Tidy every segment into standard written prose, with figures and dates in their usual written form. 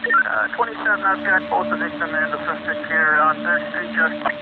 27, I've got both the victim and the suspect here on 3rd Street, just...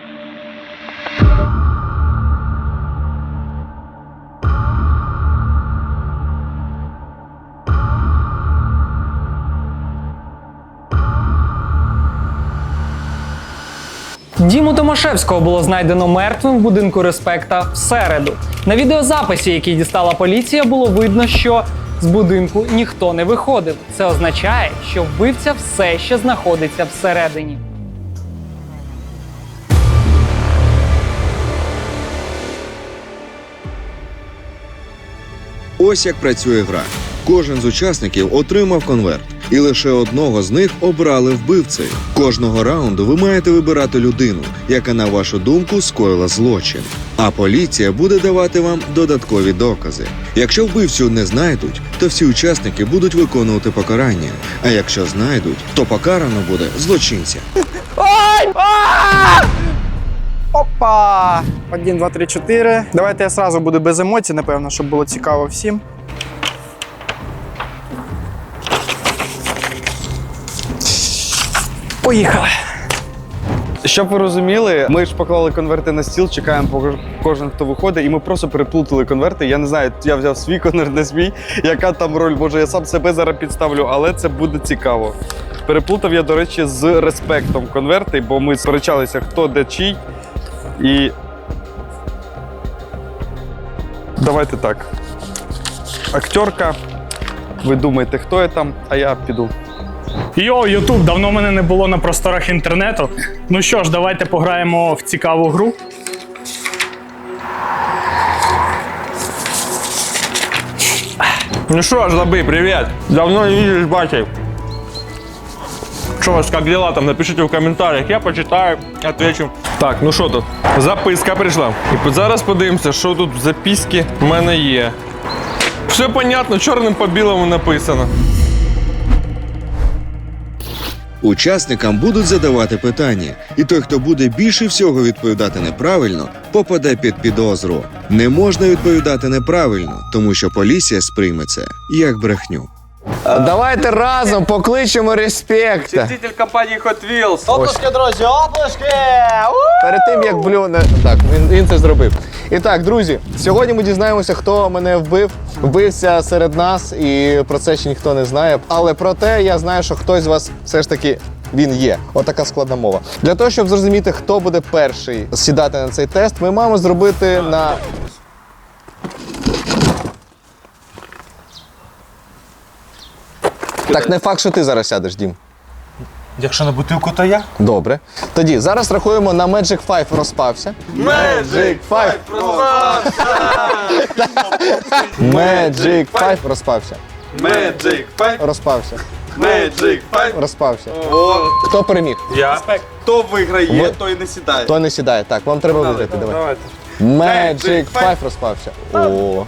Діму Томашевського було знайдено мертвим в будинку Респекта в середу. На відеозаписі, який дістала поліція, було видно, що з будинку ніхто не виходив. Це означає, що вбивця все ще знаходиться всередині. Ось як працює гра. Кожен з учасників отримав конверт, і лише одного з них обрали вбивцею. Кожного раунду ви маєте вибирати людину, яка, на вашу думку, скоїла злочин. А поліція буде давати вам додаткові докази. Якщо вбивцю не знайдуть, то всі учасники будуть виконувати покарання. А якщо знайдуть, то покарано буде злочинця. Опа! 1, 2, 3, 4. Давайте я сразу буду без емоцій, напевно, щоб було цікаво всім. Поїхали! Щоб ви розуміли, ми ж поклали конверти на стіл, чекаємо, поки кожен, хто виходить, і ми просто переплутали конверти. Я не знаю, я взяв свій конверт, не свій, яка там роль, може я сам себе зараз підставлю, але це буде цікаво. Переплутав я, до речі, з Респектом конверти, бо ми сперечалися, хто де чий. І давайте так. Акторка, ви думаєте, хто я там, а я піду. Йоу, Ютуб, давно мене не було на просторах інтернету. Ну що ж, давайте пограємо в цікаву гру. Ну что ж, Забы, привет! Давно не виделись, батей. Что у вас, как дела там? Напишите в комментариях, я почитаю, отвечу. Так, ну що тут? Записка прийшла. І зараз подивимося, що тут в записці в мене є. Все понятно, чорним по білому написано. Учасникам будуть задавати питання, і той, хто буде більше всього відповідати неправильно, попаде під підозру. Не можна відповідати неправильно, тому що поліція сприйме це як брехню. Давайте разом покличемо Респекта. Учитель компанії Hot Wheels. Оплески, друзі, оплески! Перед тим, як блюне... Так, він це зробив. І так, друзі, сьогодні ми дізнаємося, хто мене вбив. Вбився серед нас, і про це ще ніхто не знає. Але проте я знаю, що хтось з вас все ж таки він є. Отака складна мова. Для того, щоб зрозуміти, хто буде перший сідати на цей тест, ми маємо зробити на... Так, не факт, що ти зараз сядеш, Дім. Якщо на бутилку, то я. Добре. Тоді зараз рахуємо на Magic 5 розпався. Magic 5 розпався! Magic 5 розпався. Magic 5. Розпався. Magic 5. Розпався. О, Хто переміг? я. Хто виграє, Ви- той не сідає. Хто не сідає? Так, вам треба виграти. Давай. Давайте. Magic 5 розпався. О.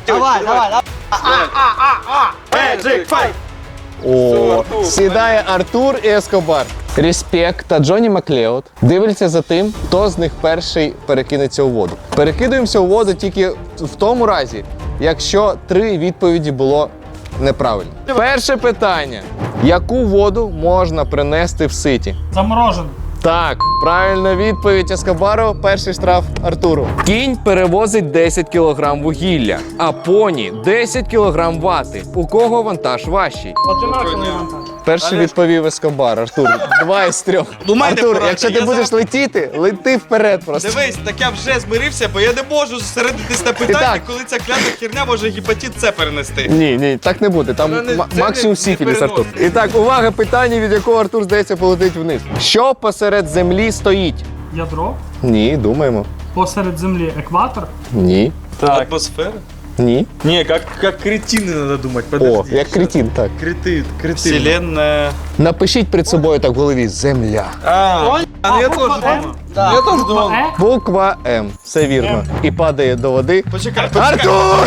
Magic 5. О. Сідає Артур і Ескобар. Респект та Джонні Маклеод дивляться за тим, хто з них перший перекинеться у воду. Перекидуємося у воду тільки в тому разі, якщо 3 відповіді було неправильно. Перше питання. Яку воду можна принести в ситі? Заморожено. Так, правильна відповідь Ескобару, перший штраф Артуру. Кінь перевозить 10 кг вугілля, а поні 10 кг вати. У кого вантаж важчий? Одинаковий вантаж. Перший відповів Ескобар, Артур. 2 із 3. Думайте, Артур, порадьте, якщо ти я будеш летіти, лети вперед просто. Дивись, так я вже змирився, бо я не можу зосередитись на питанні, так. коли ця клята херня може гепатит С перенести. Ні, так не буде. Там Це максимум не сіфіліс, Артур. переносить. І так, увага, питання, від якого Артур, здається, полетить вниз. Що посеред землі стоїть? Ядро. Ні, думаємо. Посеред землі екватор. Ні. Атмосфера? Ні. Не, как кретины надо думать, О, подожди. як кретин, так. Кретин. Вселенная. Напишіть перед собою так в голові «Земля». Ну я теж думав. Я теж думав. Буква М. Все вірно. І падає до води. Почекай, Артур!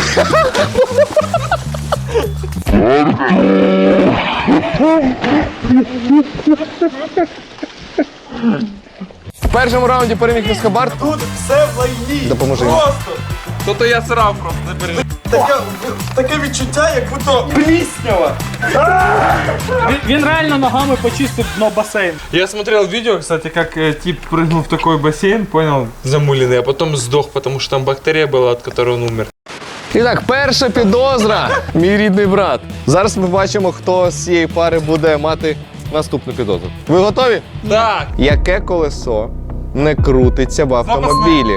В першому раунді переміг Ескобар. Тут все в лайні. Допоможи. Просто. То я срав просто, не переживай. Таке відчуття, як будто пліснява. Він реально ногами почистив дно басейн. Я смотрел видео, кстати, как тип прыгнул в такой бассейн, понял, замуленный, а потом сдох, потому что там бактерия была, от которой он умер. І так, перша підозра. Мій рідний брат. Зараз ми бачимо, хто з цієї пари буде мати наступну підозру. Ви готові? Так. Яке колесо не крутиться в автомобілі?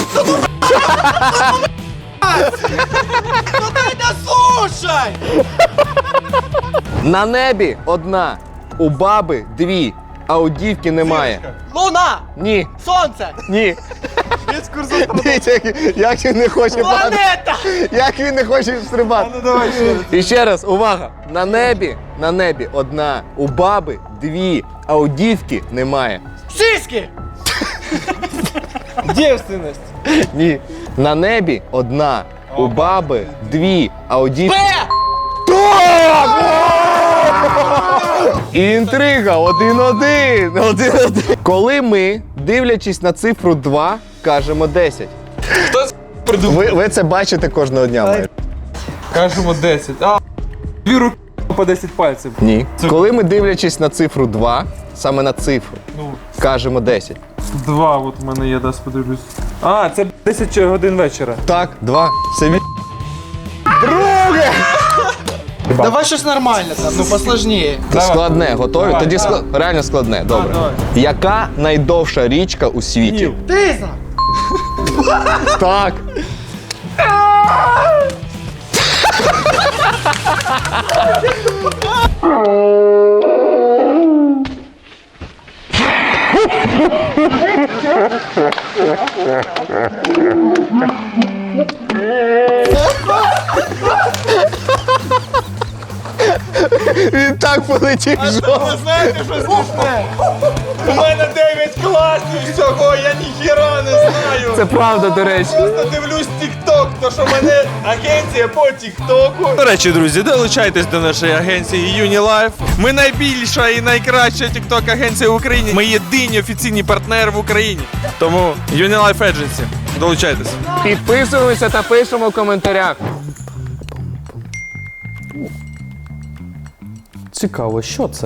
На небі одна, у баби дві, а у дівки немає. Луна! Ні, Сонце! ні. Дивіться, як він не хоче падати. Планета! Як він не хоче стрибати. І ще раз, увага. На небі одна, у баби дві, а у дівки немає. Сиськи! Дівственність. Ні. На небі одна, у баби дві, а у дівки... Інтрига, 1-1. Коли ми, дивлячись на цифру 2, кажемо 10. Хто придумав? Ви це бачите кожного дня майже. Кажемо 10. А, дві руки по 10 пальців. Ні. Коли ми, дивлячись на цифру 2, саме на цифру, кажемо 10. 2, от у мене є, дасть подивлюсь. А, це 10 годин вечора. Так, 2. Це він. Давай щось нормальне там, ну посложніше. Складне, готові? Тоді реально складне, добре. давай. Яка найдовша річка у світі? Ніл. Тиза! Так. Він так полетів жовт. Знаєте, що смішне? У мене 9 класів всього, я ніхіра не знаю. Це правда, до речі. Просто дивлюсь TikTok, то що в мене агенція по TikTok. До речі, друзі, долучайтесь до нашої агенції UniLife. Ми найбільша і найкраща TikTok агенція в Україні. Ми єдині офіційні партнери в Україні. Тому UniLife Agency. Долучайтесь. Підписуємося та пишемо в коментарях. Цікаво, що це?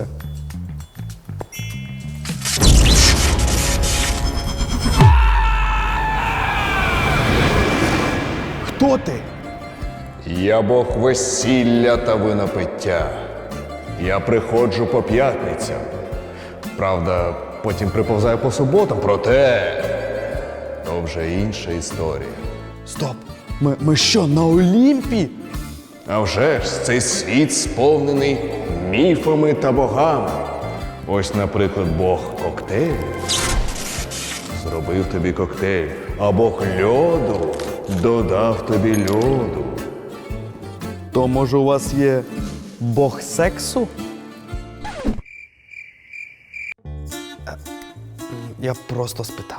Хто ти? Я Бог весілля та винопиття. Я приходжу по п'ятницям. Правда, потім приповзаю по суботам, проте то вже інша історія. Стоп! Ми що, на Олімпі? А вже ж, цей світ сповнений міфами та богами. Ось, наприклад, Бог коктейлю зробив тобі коктейль, а Бог льоду додав тобі льоду. То може у вас є Бог сексу? Я просто спитав.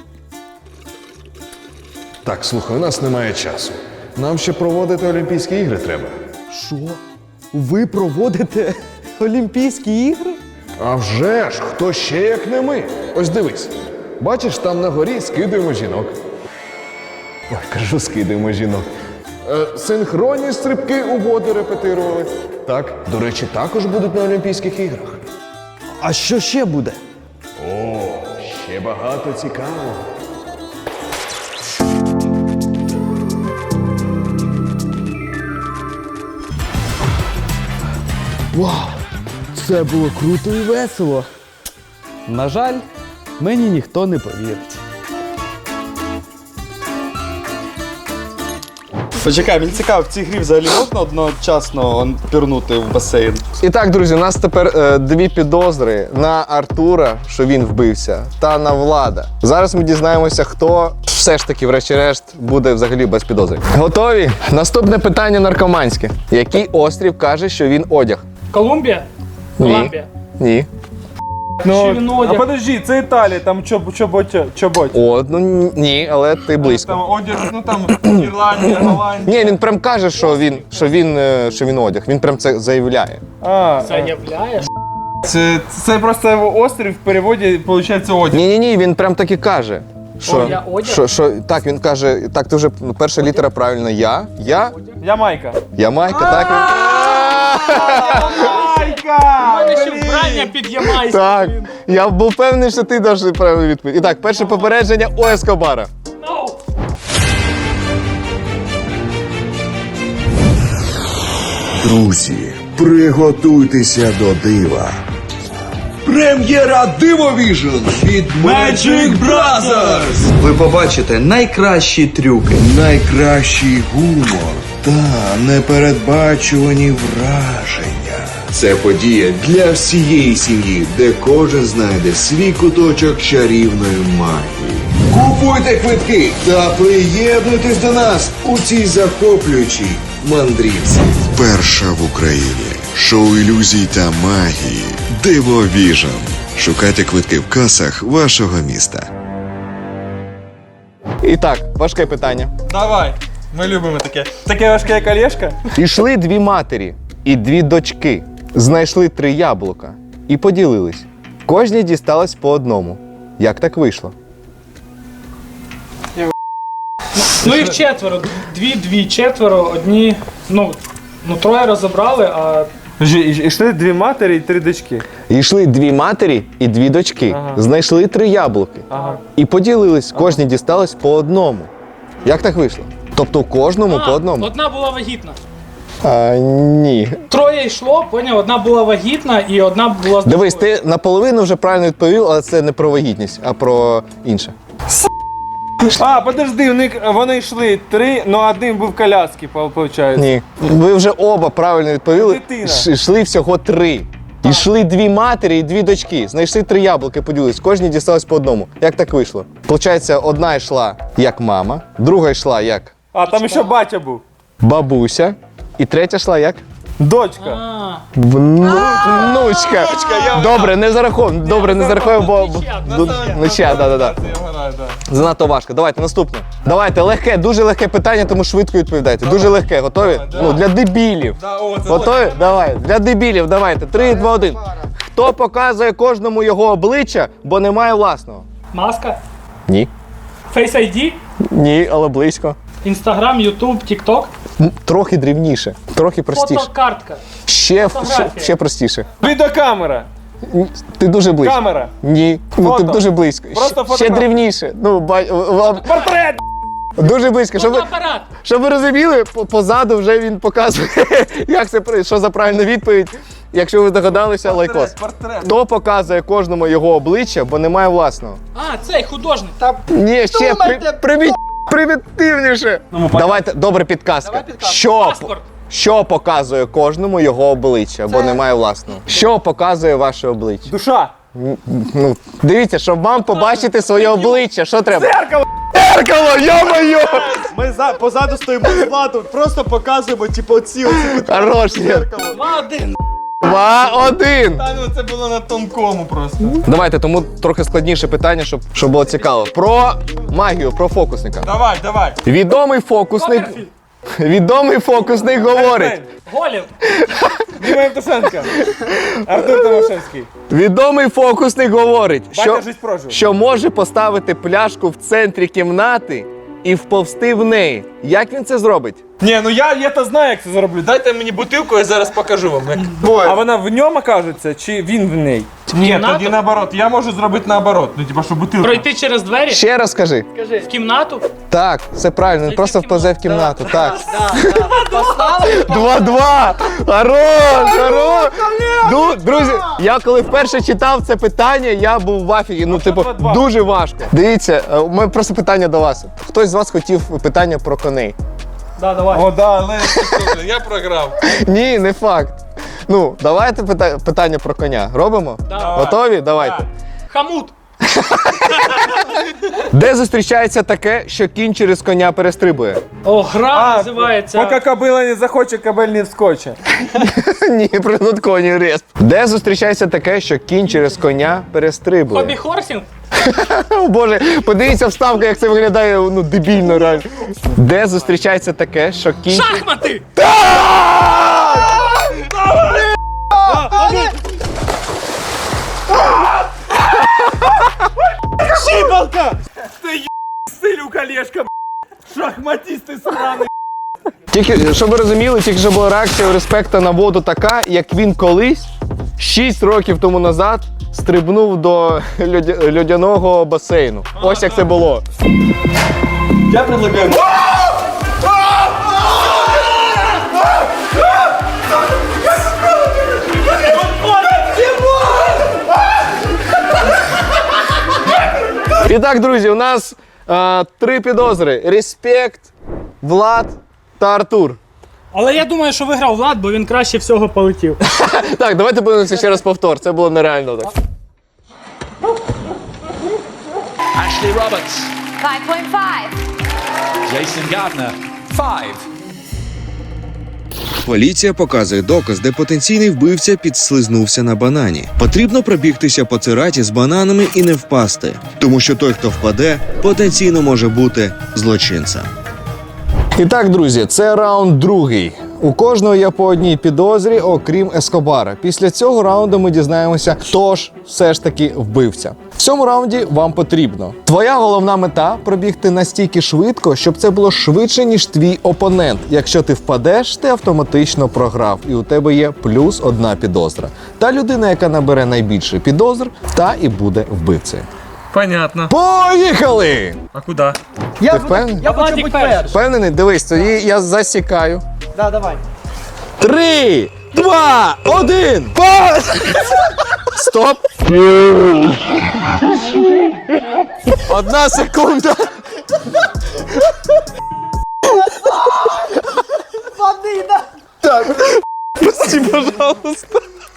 Так, слухай, у нас немає часу. Нам ще проводити Олімпійські ігри треба. Що? Ви проводите Олімпійські ігри? А вже ж, хто ще як не ми? Ось дивись. Бачиш, там на горі скидаємо жінок. Ой, кажу, скидаємо жінок. Синхронні стрибки у воду репетирували. Так, до речі, також будуть на Олімпійських іграх. А що ще буде? О, ще багато цікавого. Вау! Це було круто і весело. На жаль, мені ніхто не повірить. Почекай, мені цікаво, в цій грі взагалі можна одночасно пірнути в басейн? І так, друзі, у нас тепер дві підозри на Артура, що він вбився, та на Влада. Зараз ми дізнаємося, хто все ж таки, врешті-решт, буде взагалі без підозри. Готові? Наступне питання наркоманське. Який острів каже, що він одяг? Колумбія? Ні. Колумбія. Ні. Чи він одяг? подожди, це Італія, там чоботь. О, ну ні, але ти близько. Там одяг, ну там Ірландія, Голландія. Ні, він прям каже, що він одяг. Він прям це заявляє. Заявляєш? Це просто острів в переводі, виходить, одяг. Ні, він прям так і каже. Я одяг? Так, він каже, так, ти вже перша літера правильно я Ямайка. Ямайка, так? Ще вбрання під Ямайську. Так. Я був певний, що ти даш правильну відповідь. І так, перше попередження у Ескобара. Друзі, приготуйтеся до дива. Прем'єра Дивовіжн від Magic Brothers! Ви побачите найкращі трюки. Найкращий гумор та непередбачувані враження. Це подія для всієї сім'ї, де кожен знайде свій куточок чарівної магії. Купуйте квитки та приєднуйтесь до нас у цій захоплюючій мандрівці. Перша в Україні шоу ілюзій та магії Дивовіжн. Шукайте квитки в касах вашого міста. І так, важке питання. Давай. Ми любимо таке. Таке важке, як Олешка. Ішли дві матері і дві дочки. Знайшли 3 яблука і поділились. Кожній дісталось по одному. Як так вийшло? Ну їх 4. Дві, 4, одні. Ну, 3 розібрали, а Ішли 2 матері і 3 дочки. Йшли 2 матері і 2 дочки. Знайшли 3 яблуки. І поділились. Кожній дісталось по одному. Як так вийшло? Тобто кожному по одному? одна була вагітна. Ні. 3 йшло, поняв, одна була вагітна і одна була здорова. Дивись, ти наполовину вже правильно відповів, але це не про вагітність, а про інше. Подожди, вони йшли 3, але один був в коляскі, виходить. Ні. Ви вже оба правильно відповіли. Дитина. Йшли всього 3. Йшли 2 матері і 2 дочки. Знайшли 3 яблуки, поділились. Кожній дісталось по одному. Як так вийшло? Получається, одна йшла як мама, друга йшла як Там ще батя був. бабуся, і третя йшла як Дочка. внучка. Добре, не зараховуємо. Добре, не зараховуємо, бо нічия, да. Занадто важко. Давайте наступне. Давайте легке, дуже легке питання, тому швидко відповідайте. Дуже легке. Готові? Ну, для дебілів. Готові? Давай. Для дебілів, давайте. 3, 2, 1. Хто показує кожному його обличчя, бо немає власного? Маска, Ні. Face ID, Ні, але близько. Instagram, YouTube, TikTok, Трохи дрібніше, трохи простіше. фотокартка. Ще простіше. Відеокамера. Ти дуже близько. Камера. Ні. Ну ти Фото. дуже близько. Просто Ще фотограф. дрібніше. Ну, Портрет. дуже близько. Фотоапарат. Щоб ви розуміли, позаду вже він показує, як це, що за правильна відповідь. Якщо ви догадалися, лайкос. Портрет. Хто показує кожному його обличчя, бо немає власного? Цей художник. Ні, ще примітивніше. Давайте, добре, підказка. Паспорт. Що показує кожному його обличчя, бо немає власного? Що показує ваше обличчя? Душа. Ну, дивіться, щоб вам побачити своє обличчя, що треба? Зеркало, йо-моє! Ми позаду стоїмо з Владом, просто показуємо, оці. Хорош, ні. 2-1. 2-1. Це було на тонкому просто. Давайте, тому трохи складніше питання, щоб було цікаво. Про магію, про фокусника. Давай. Відомий фокусник говорить. Голів. Діма Євтушенко. Артур Томашевський. Відомий фокусник говорить, Батя жить прожив. що може поставити пляшку в центрі кімнати і вповзти в неї. Як він це зробить? Ні, ну я то знаю, як це зроблю. Дайте мені бутилку, я зараз покажу вам. А вона в ньому окажеться, чи він в неї? Ні, тоді наоборот. Я можу зробити наоборот. Ну, типа, що бутилку. Пройти через двері. Ще раз скажи. В кімнату. Так, все правильно, він просто вповзе в кімнату. Так. Поставили? 2-2! Хорош! Друзі, я коли вперше читав це питання, я був в афігі. Ну, типу, 2-2. дуже важко. Дивіться, у мене просто питання до вас. Хтось з вас хотів питання про коней? Да, давай. О, да, але я програв. Ні, не факт. Ну, давайте питання про коня. Робимо? Давай. Готові? Давайте. Хамут. Де зустрічається таке, що кінь через коня перестрибує? Гра називається. Поки кобила не захоче, кобель не вскоче. Ні, принут коні респ. Де зустрічається таке, що кінь через коня перестрибує? Хобі-хорсінг. О Боже, подивіться вставка, як це виглядає, ну, дебільно реально. Де зустрічається таке, що кінь... Шахмати. Шибалка! Ты стиль у колешка, шахматисты сраный. Тільки, щоб ви розуміли, тільки що була реакція у респекта на воду така, як він колись, 6 років тому назад, стрибнув до льодяного басейну. Ось як це було. Я предлагаю. І так, друзі, у нас 3 підозри. Респект, Влад та Артур. Але я думаю, що виграв Влад, бо він краще всього полетів. Так, давайте подивимося ще раз повтор. Це було нереально так. Ashley Roberts. 5.5. Jason Gardner. 5. Поліція показує доказ, де потенційний вбивця підслизнувся на банані. Потрібно пробігтися по цираті з бананами і не впасти, тому що той, хто впаде, потенційно може бути злочинцем. І так, друзі, це раунд другий. У кожного є по одній підозрі, окрім Ескобара. Після цього раунду ми дізнаємося, хто ж все ж таки вбивця. В цьому раунді вам потрібно. Твоя головна мета – пробігти настільки швидко, щоб це було швидше, ніж твій опонент. Якщо ти впадеш, ти автоматично програв, і у тебе є плюс 1 підозра. Та людина, яка набере найбільше підозр, та і буде вбивцею. Понятно. Поїхали! А куди? Ти впевнений? Я хочу бути першим. Впевнений? Дивись, тоді я засікаю. Да, давай. 3, 2, 1, пас! Стоп! 1 секунда! Води, да. Прости, пожалуйста!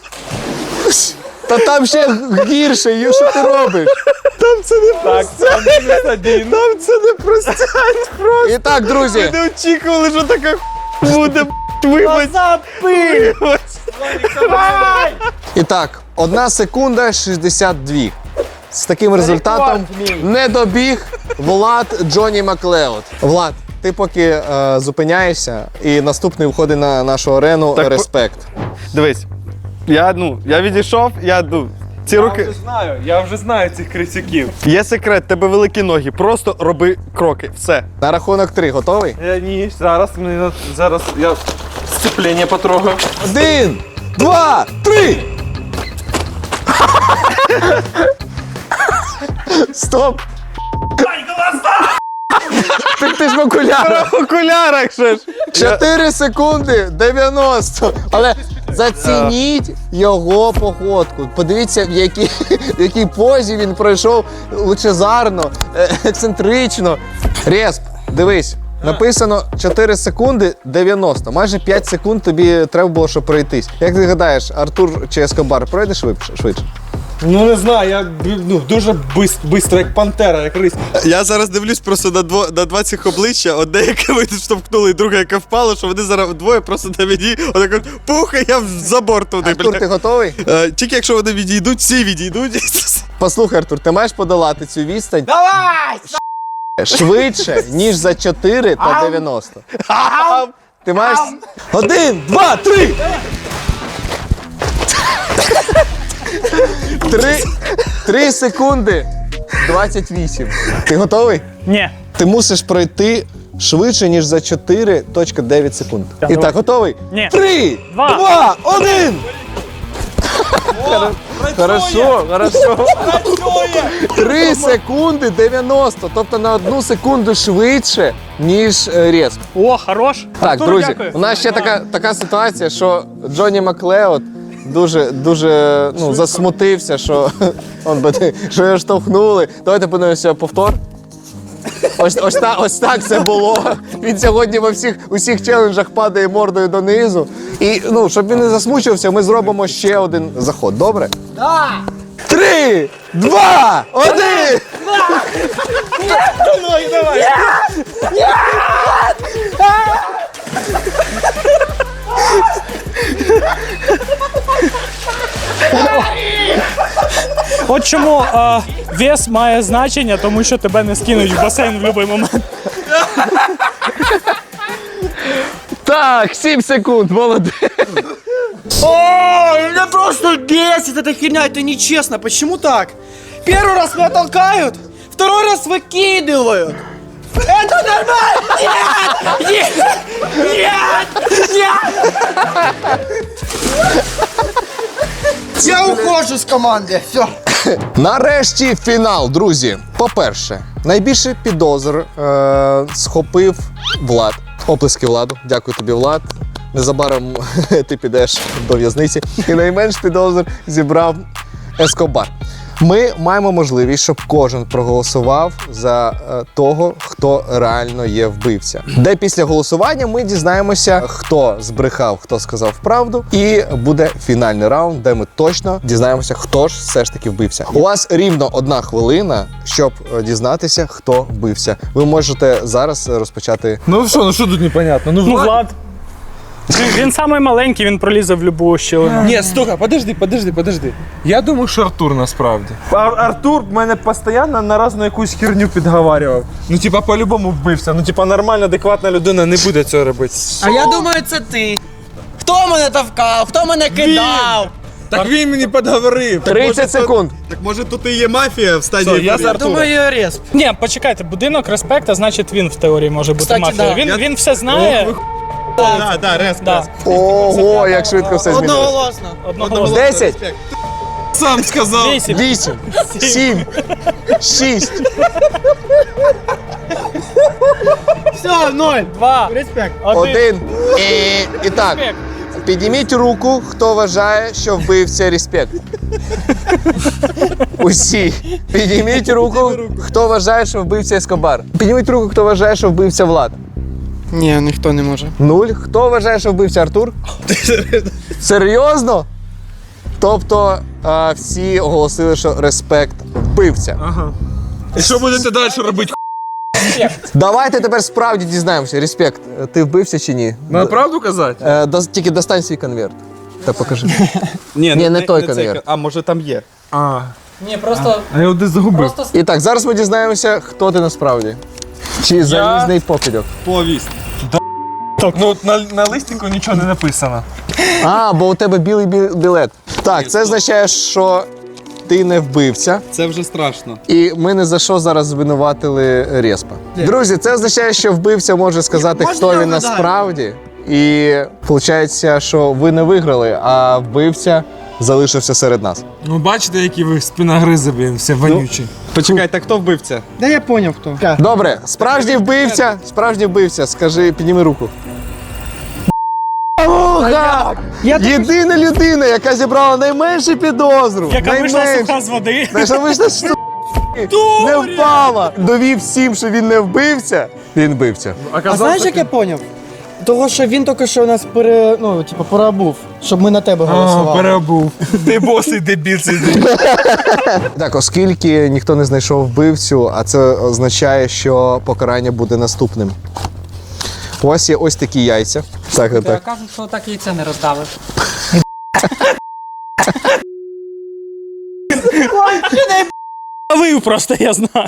Та там ще гірше, що ти робиш? Там це не простять. Там це не простять просто. І так, друзі. Не очікували, що така буде, вибач. І так, 1 секунда 62. З таким результатом не добіг Влад Джонні Маклеод. Влад, ти поки зупиняєшся, і наступний входить на нашу арену Так, Респект. Дивись, я відійшов, ці руки. Я вже знаю цих крисюків. Є секрет, тебе великі ноги, просто роби кроки, все. На рахунок 3, готовий? Ні, зараз я сцеплення потрогаю. 1, 2, 3! Стоп! Ти ж в окулярах! В окулярах ще ж! 4 секунди 90. Але зацініть його походку. Подивіться, в якій позі він пройшов лучезарно, ексцентрично. Респ, дивись, написано 4 секунди 90. Майже 5 секунд тобі треба було, щоб пройтись. Як ти гадаєш, Артур чи Ескобар пройде швидше? Ну не знаю, я дуже швидко, як пантера, як рись. Я зараз дивлюсь просто на 20 обличчя, одне, яке ви штовхнули, і друге, яке впало, що вони зараз двоє просто на мені, отак пуха, я за борт туди. Артур, ти готовий? Тільки якщо вони відійдуть, всі відійдуть. Послухай, Артур, ти маєш подолати цю відстань Давай! швидше, ніж за 4 та 90. Ти маєш... 1, 2, 3! 3 секунди 28. Ти готовий? Ні. Ти мусиш пройти швидше, ніж за 4.9 секунд. І так, готовий? Ні. 3, 2, 1! Хорошо. 3 секунди 90, тобто на 1 секунду швидше, ніж Респ. О, хорош. Так, Артур, друзі, дякую. у нас ще така ситуація, що Джонні Маклеод дуже засмутився, що його штовхнули. Давайте подивимося повтор. Ось так це було. Він сьогодні во усіх челенджах падає мордою донизу. І щоб він не засмучився, ми зробимо ще один заход. Добре? Да! 3, 2, 1! Давай! От чому вес має значення, тому що тебе не скинуть в басейн в будь-який момент. Так, 7 секунд, молодець. О, меня просто бесит эта херня, это нечестно. Почему так? Первый раз меня толкают, второй раз выкидывают. Это нормально! Нет! Нет! Нет! Я ухожу з команди. Все. Нарешті фінал, друзі. По-перше, найбільше підозр схопив Влад. Оплески Владу. Дякую тобі, Влад. Незабаром ти підеш до в'язниці. І найменш підозр зібрав Ескобар. Ми маємо можливість, щоб кожен проголосував за того, хто реально є вбивця. Де після голосування ми дізнаємося, хто збрехав, хто сказав правду. І буде фінальний раунд, де ми точно дізнаємося, хто ж все ж таки вбивця. У вас рівно 1 хвилина, щоб дізнатися, хто вбивця. Ви можете зараз розпочати. Ну що тут непонятно? Ну, Влад. Він самий маленький, він пролізе в будь-яку щілину. Ні, стука, подожди. Я думаю, що Артур насправді. Артур мене постійно на різну якусь херню підговарював. Ну, типа, по-любому вбився. Ну, типа, нормальна, адекватна людина не буде цього робити. А я думаю, це ти. Хто мене тавкав? Хто мене кидав? Так він мені підговорив. 30 секунд. Так може тут і є мафія в стадії? Я з Артуром. Думаю, респ. Ні, почекайте, будинок респекта, значить він в теорії може бути Кстати, мафією. да. Він все знає. Да, респ. Да. Ого, як швидко все змінилося. Одноголосно. Одноголосно. 10, Сам сказав. 8. 8, 7, 6. Все, 0. 2. Респект. 1. І так, підніміть руку, хто вважає, що вбивця респект. Усі. Підніміть руку, хто вважає, що вбивця Ескобар. Підніміть руку, хто вважає, що вбивця Влад. Ні, ніхто не може. 0. Хто вважає, що вбивця Артур? Серйозно? Тобто всі оголосили, що респект вбивця. І що будете далі робити? Давайте тепер справді дізнаємося. Респект, ти вбився чи ні? На правду казати? Тільки достань свій конверт. Та покажи. Ні, не той конверт. А може там є? Ні, просто. А я його десь загубив. І так, зараз ми дізнаємося, хто ти насправді. Чи залізний покидьок. Повість. Так, ну на листику нічого не написано. Бо у тебе білий білет. Так, це означає, що ти не вбивця. Це вже страшно. І ми не за що зараз звинуватили Респа. Друзі, це означає, що вбивця може сказати, хто він насправді. І виходить, що ви не виграли, а вбивця залишився серед нас. Ну бачите, які ви спиногризи, блін, все вонючі. Почекай, так хто вбивця? Да я поняв, хто. Добре, справжній вбивця, скажи, підніми руку. Єдина людина, яка зібрала найменшу підозру. Яка вийшла суха з води. Що вийшла не впала. Довів всім, що він не вбивця. Він вбивця. А знаєш, як я поняв? Того, що він тільки що нас переобув, щоб ми на тебе голосували. Переобув. Ти босий дебіл цей. Так, оскільки ніхто не знайшов вбивцю, а це означає, що покарання буде наступним. У вас є ось такі яйця. Так. Кажуть, що так яйця не роздавиш. Вив просто, я знаю.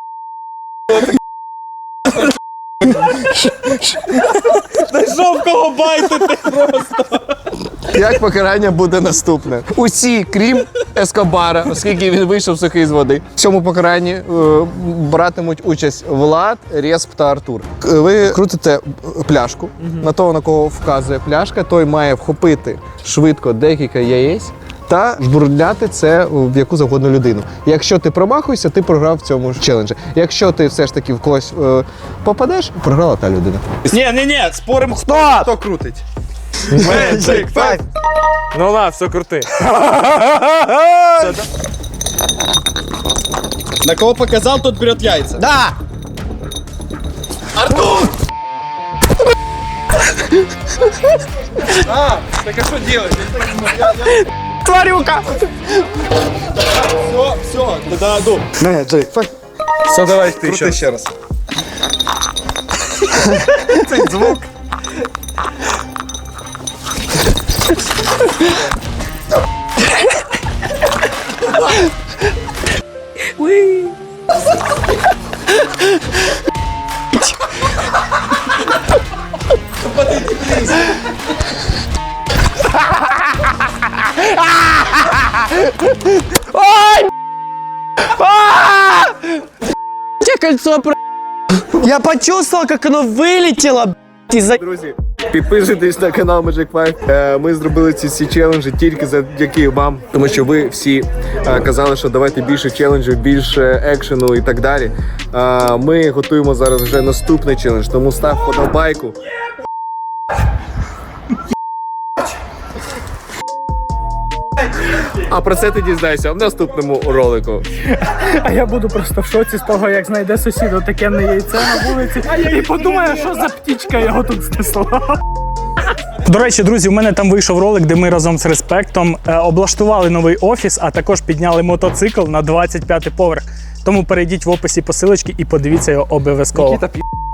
Знайшов кого байтити просто. Як покарання буде наступне? Усі, крім Ескобара, оскільки він вийшов сухий з води. В цьому покаранні братимуть участь Влад, Респ та Артур. Ви крутите пляшку. На того, на кого вказує пляшка, той має вхопити швидко декілька яєць та жбурляти це в яку завгодно людину. Якщо ти промахуєшся, ти програв в цьому челенджі. Якщо ти все ж таки в когось попадеш, програла та людина. Ні, спорим, хто крутить. Magic 5. Ну ладно, все крути. На кого показав, тот берет яйця. Да. Так а що делать? Тварюка! Все, да, дум. Все, давай ти Крути ще раз. Цей звук. Тебе кольцо Я почувствовал, как оно вылетело, из-за... Друзі, підписуйтесь на канал Magic 5. Ми зробили ці всі челенджі тільки завдяки вам, тому що ви всі казали, що давайте більше челенджів, більше екшену і так далі. Ми готуємо зараз вже наступний челендж, тому став подобайку. А про це ти дізнаєшся в наступному ролику. А я буду просто в шоці з того, як знайде сусід таке яйце на вулиці і подумає, що за птічка його тут знесла. До речі, друзі, у мене там вийшов ролик, де ми разом з Респектом облаштували новий офіс, а також підняли мотоцикл на 25-й поверх. Тому перейдіть в описі посилочки і подивіться його обов'язково.